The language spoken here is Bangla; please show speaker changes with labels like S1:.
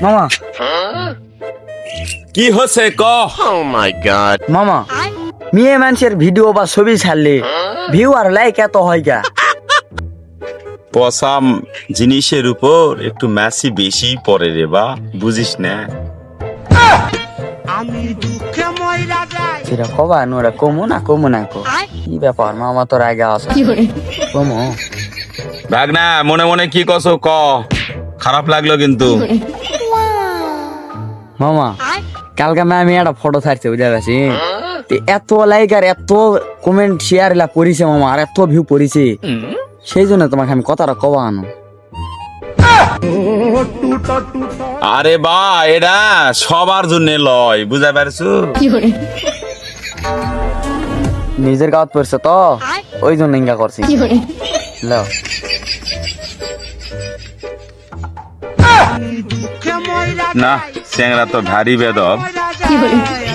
S1: মামা
S2: কি হচ্ছে ক?
S1: মামা মেয়ে মানুষের ভিডিও বা ছবি ছাড়লে ভিউ আর লাইক এত হয় গা।
S2: পসাম জিনিসের উপর একটু ম্যাসি বেশি পড়ে রে বা, বুঝিস না?
S1: সেটা কবা নোরা কমু না কো কি ব্যাপার মামা তোর আগে আসা কমু
S2: ভাগনা মনে মনে কি কছো ক? খারাপ লাগলো কিন্তু।
S1: মামা কালকে আমি একটা ফটো ছাড়ছি বুঝা গেছি এত লাইক আর এত কমেন্ট শেয়ার এলা করিছে মামা আর এত ভিউ পড়িছে সেই জন্য তোমাকে আমি কথাটা কবা আনো।
S2: আরে বা এটা সবার জন্য লয়, বুঝা পারছো?
S1: নিজের গাঁত পড়ছে তো ওই জন্য ইঙ্গা করছি লও।
S2: না, চ্যাংরা তো ভারী বেদব।